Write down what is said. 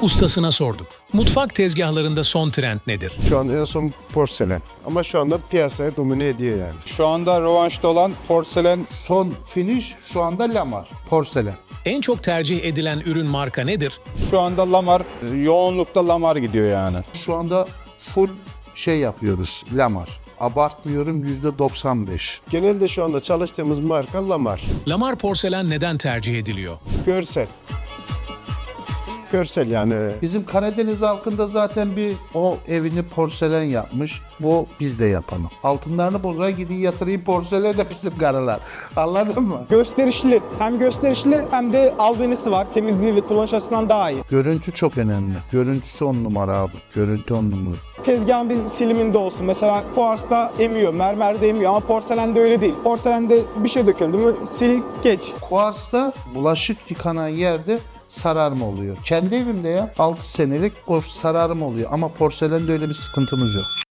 Ustasına sorduk. Mutfak tezgahlarında son trend nedir? Şu an en son porselen. Ama şu anda piyasaya domine ediyor yani. Şu anda rövanşta olan porselen. Son finish şu anda lamar, porselen. En çok tercih edilen ürün marka nedir? Şu anda lamar, yoğunlukta lamar gidiyor yani. Şu anda full şey yapıyoruz, lamar. Abartmıyorum, %95. Genelde şu anda çalıştığımız marka Lamar. Lamar porselen neden tercih ediliyor? Görsel. Görsel yani. Bizim Karadeniz halkında zaten bir o evini porselen yapmış. Bu biz de yapalım. Altınlarını bozar gideyim yatırayım porselen de bizim karılar. Anladın mı? Gösterişli. Hem gösterişli hem de albenisi var. Temizliği ve kullanış açısından daha iyi. Görüntü çok önemli. Görüntüsü 10 numara abi. Görüntü 10 numara. Tezgahın bir siliminde olsun. Mesela kuarsda emiyor, mermerde emiyor ama porselende öyle değil. Porselende bir şey döküldü mü sil geç. Kuars'ta bulaşık yıkanan yerde sararma oluyor. Kendi evimde ya 6 senelik o sararma oluyor ama porselende öyle bir sıkıntımız yok.